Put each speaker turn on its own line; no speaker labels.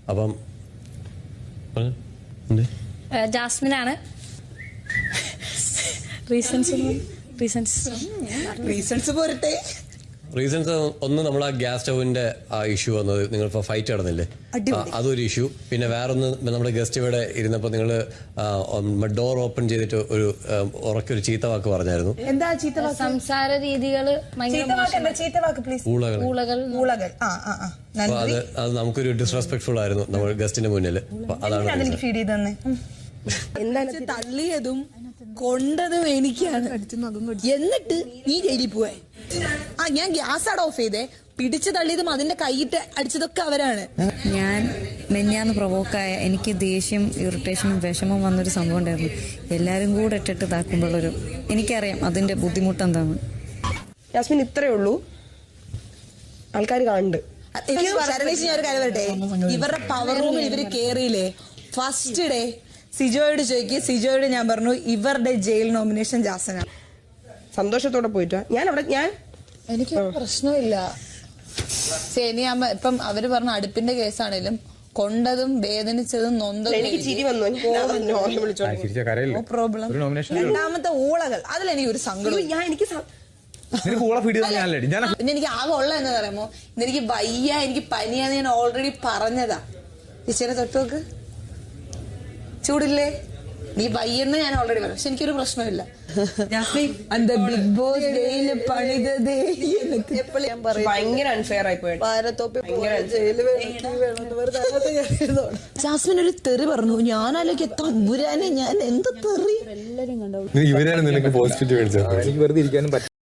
അപ്പം
ജാസ്മിനാണ്.
റീസൺസ് പോരട്ടെ.
റീസൺസ് ഒന്ന്, നമ്മൾ ആ ഗ്യാസ് സ്റ്റൗവിന്റെ ആ ഇഷ്യൂ വന്നത്, നിങ്ങൾ ഇപ്പോൾ ഫൈറ്റ് നടന്നില്ലേ, അതൊരു ഇഷ്യൂ. പിന്നെ വേറൊന്ന്, നമ്മുടെ ഗസ്റ്റ് ഇവിടെ ഇരുന്നപ്പോൾ നിങ്ങൾ ഡോർ ഓപ്പൺ ചെയ്തിട്ട് ഒരു ഉറക്കൊരു ചീത്ത വാക്ക് പറഞ്ഞായിരുന്നു.
എന്താ ചീത്ത വാക്ക്?
സംസാര രീതികള്
ചീത്ത വാക്ക് പ്ലീസ്.
ഊളകൾ. അത് നമുക്കൊരു ഡിസ്റെസ്പെക്ട്ഫുൾ ആയിരുന്നു നമ്മൾ ഗസ്റ്റിന്റെ മുന്നിൽ. അതാണ്
ഫീഡ് ചെയ്തന്നെ. എന്താണ് തള്ളിയതും കൊണ്ടതും എനിക്കാണ്. എന്നിട്ട് നീ ജയിലിൽ പോവേ. ഞാൻ ഗ്യാസ് അവിടെ ഓഫ് ചെയ്തേ. പിടിച്ചു തള്ളിയതും അതിന്റെ കൈയിട്ട് അടിച്ചതൊക്കെ അവരാണ്.
ഞാൻ മെഞ്ഞാന്ന് പ്രൊവോക്കായ, എനിക്ക് ദേഷ്യം, ഇറിറ്റേഷനും വിഷമവും വന്നൊരു സംഭവം ഉണ്ടായിരുന്നു. എല്ലാരും കൂടെ ഇട്ടിട്ട് ഇതാക്കുമ്പോഴൊരു, എനിക്കറിയാം അതിന്റെ ബുദ്ധിമുട്ട് എന്താണ്.
യാസ്മിൻ ഇത്രേ ഉള്ളൂ, ആൾക്കാർ കാണുന്നുണ്ട്.
ശരണേശ്, ഞാൻ ഒരു കാര്യം പറയട്ടെ. ഇവരുടെ പവർ റൂമിൽ ഇവര് കേറിയില്ലേ, ഫസ്റ്റ് ഡേ സിജോയോട് ചോദിക്കുക. സിജോയോട് ഞാൻ പറഞ്ഞു ഇവരുടെ ജയിൽ നോമിനേഷൻ ജാസനാണ്.
സന്തോഷത്തോടെ പോയിട്ടാ ഞാൻ
എനിക്ക് പ്രശ്നമില്ല. സേനിയാമ്മ ഇപ്പം അവര് പറഞ്ഞ അടുപ്പിന്റെ കേസാണേലും കൊണ്ടതും വേദനിച്ചതും നൊന്തതും
എനിക്ക് ചിരി വന്നു.
No problem.
രണ്ടാമത്തെ ഊളകൾ, അതിലെനിക്ക് ഒരു സങ്കടം.
പിന്നെ എനിക്ക് ആകെ ഉള്ള എന്ന് പറയുമ്പോ എനിക്ക് വയ്യ, എനിക്ക് പനിയാന്ന് ഞാൻ ഓൾറെഡി പറഞ്ഞതാ. ചേച്ചിയുടെ തൊട്ടുനോക്ക്, ചൂടില്ലേ, നീ വയ്യെന്ന് ഞാൻ ഓൾറെഡി പറഞ്ഞു. പക്ഷെ എനിക്കൊരു പ്രശ്നമില്ല. ബിഗ് ബോസ്
ഭയങ്കര അൺഫെയർ ആയി പോയി.
ജാസ്മിൻ ഒരു തെറി പറഞ്ഞു. ഞാനാലോചിക്ക തമ്പുരാനെ, ഞാൻ എന്ത് തെറി.
ഇവരാണ് നിനക്ക് പോസിറ്റീവ്. എനിക്ക് വെറുതെ ഇരിക്കാനും